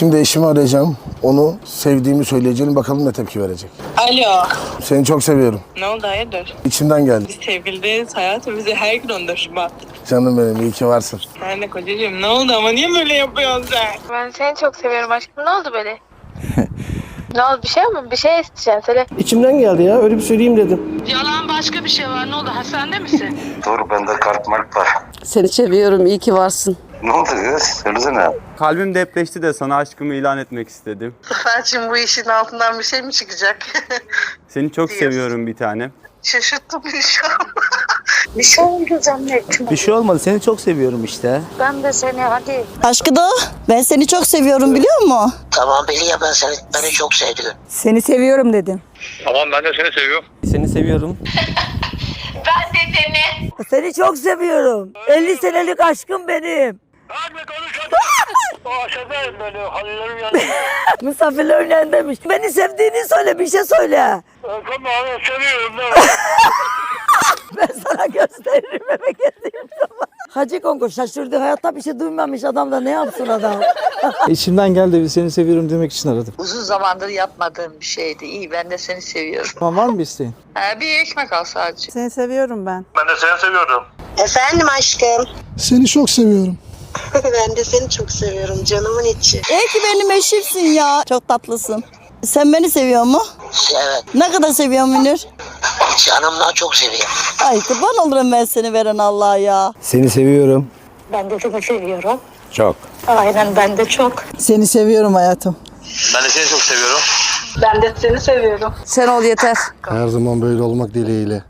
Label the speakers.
Speaker 1: Şimdi eşimi arayacağım. Onu sevdiğimi söyleyeceğim. Bakalım ne tepki verecek.
Speaker 2: Alo.
Speaker 1: Seni çok seviyorum.
Speaker 2: Ne oldu hayırdır?
Speaker 1: İçimden geldi.
Speaker 2: Biz sevgiliyiz hayatım. Bize her gün 14 Şubat.
Speaker 1: Canım benim, iyi ki varsın.
Speaker 2: Sen de kocacığım ne oldu ama niye böyle yapıyorsun sen?
Speaker 3: Ben seni çok seviyorum aşkım. Ne oldu böyle? Ne oldu? Bir şey mi? Bir şey isteyeceksin. Söyle.
Speaker 4: İçimden geldi ya. Öyle bir söyleyeyim dedim.
Speaker 2: Yalan başka bir şey var. Ne oldu? Hastanede misin?
Speaker 5: Dur bende kart mark var.
Speaker 6: Seni seviyorum, iyi ki varsın.
Speaker 5: Ne oldu kız? Söylesene.
Speaker 7: Kalbim depreşti de sana aşkımı ilan etmek istedim.
Speaker 8: Zafer'cim bu işin altından bir şey mi çıkacak?
Speaker 7: Seni çok
Speaker 8: Diyorsun.
Speaker 7: seviyorum bir tanem.
Speaker 8: Şaşırttım beni şu an. Bir şey oldu zannettim.
Speaker 4: Bir şey olmadı. Seni çok seviyorum işte.
Speaker 8: Ben de seni hadi.
Speaker 6: Aşkı ben seni çok seviyorum biliyor musun?
Speaker 9: Tamam belli ya beni çok sevdim.
Speaker 6: Seni seviyorum dedim.
Speaker 5: Tamam ben de seni seviyorum.
Speaker 4: Seni seviyorum.
Speaker 6: Seni çok seviyorum. 50 senelik aşkım benim.
Speaker 5: Hadi konuşalım. Aşağıdayım böyle hallerim yanında.
Speaker 6: Misafirlerin yanındaymış. Beni sevdiğini söyle, bir şey söyle.
Speaker 5: Tamam seviyorum ben.
Speaker 6: Ben sana gösteririm eve geldiğim zaman. Hacı Kongo şaşırdı. Hayatta bir şey duymamış adam da ne yapsın adam?
Speaker 4: İçimden geldi. Seni seviyorum demek için aradım.
Speaker 8: Uzun zamandır yapmadığım bir şeydi. İyi ben de seni seviyorum.
Speaker 4: Tamam, var mı bir isteğin?
Speaker 8: Bir ekmek al sadece.
Speaker 6: Seni seviyorum ben.
Speaker 5: Ben de seni seviyorum.
Speaker 9: Efendim aşkım.
Speaker 1: Seni çok seviyorum.
Speaker 9: Ben de seni çok seviyorum canımın içi.
Speaker 6: İyi ki benim eşimsin ya. Çok tatlısın. Sen beni seviyor mu?
Speaker 9: Evet
Speaker 6: Ne kadar seviyorsun Münir?
Speaker 9: canımdan çok seviyorum.
Speaker 6: Ay kurban olurum ben seni veren Allah'a ya.
Speaker 4: Seni seviyorum.
Speaker 8: Ben de seni seviyorum.
Speaker 4: Çok.
Speaker 8: Aynen ben de çok.
Speaker 6: Seni seviyorum hayatım.
Speaker 5: Ben de seni çok seviyorum.
Speaker 8: Ben de seni seviyorum.
Speaker 6: Sen ol yeter.
Speaker 1: Her zaman böyle olmak dileğiyle.